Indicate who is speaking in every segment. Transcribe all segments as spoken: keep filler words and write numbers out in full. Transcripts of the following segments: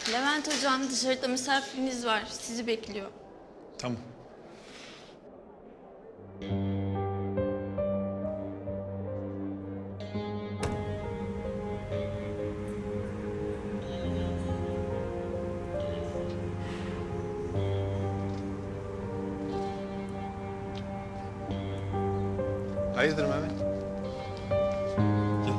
Speaker 1: Levent hocam, dışarıda misafiriniz var. Sizi bekliyor.
Speaker 2: Tamam. Hayırdır Mehmet? Gel.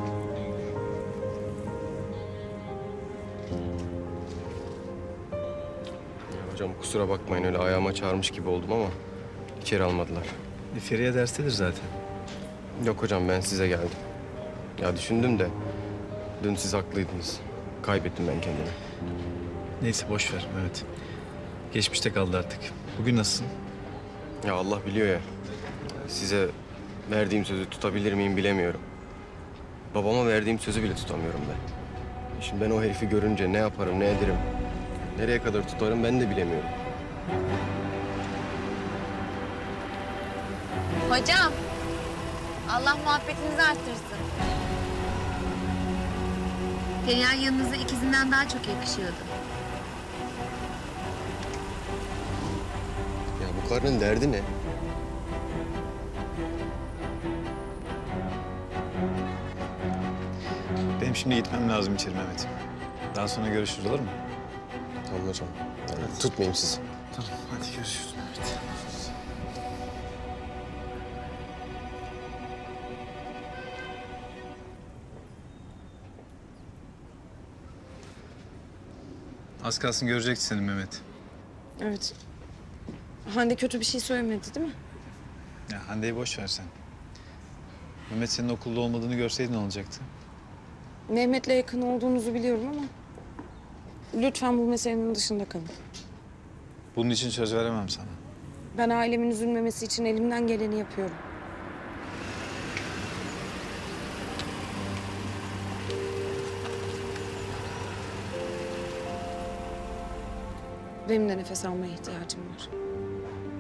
Speaker 3: Ya hocam kusura bakmayın öyle ayağıma çağırmış gibi oldum ama içeri almadılar.
Speaker 2: E, Feriye derstedir zaten.
Speaker 3: Yok hocam ben size geldim. Ya düşündüm de dün siz haklıydınız. Kaybettim ben kendimi.
Speaker 2: Neyse boş ver Mehmet. Geçmişte kaldı artık. Bugün nasılsın?
Speaker 3: Ya Allah biliyor ya. Size verdiğim sözü tutabilir miyim bilemiyorum. Babama verdiğim sözü bile tutamıyorum ben. Şimdi ben o herifi görünce ne yaparım, ne ederim, nereye kadar tutarım ben de bilemiyorum.
Speaker 4: Hocam, Allah muhabbetinizi arttırsın. Perihan yanınıza ikizinden daha çok yakışıyordu.
Speaker 3: Ya bu karının derdi ne?
Speaker 2: Benim şimdi gitmem lazım içeri Mehmet. Daha sonra görüşürüz olur mu?
Speaker 3: Tamam hocam. Yani tutmayayım sizi.
Speaker 2: Tamam hadi görüşürüz Mehmet. Az kalsın görecekti seni Mehmet.
Speaker 5: Evet. Hande kötü bir şey söylemedi değil mi?
Speaker 2: Ya Hande'yi boş ver sen. Mehmet senin okulda olmadığını görseydin ne olacaktı?
Speaker 5: Mehmet'le yakın olduğunuzu biliyorum ama... lütfen bu meselenin dışında kalın.
Speaker 2: Bunun için söz veremem sana.
Speaker 5: Ben ailemin üzülmemesi için elimden geleni yapıyorum. Benim de nefes almaya ihtiyacım var.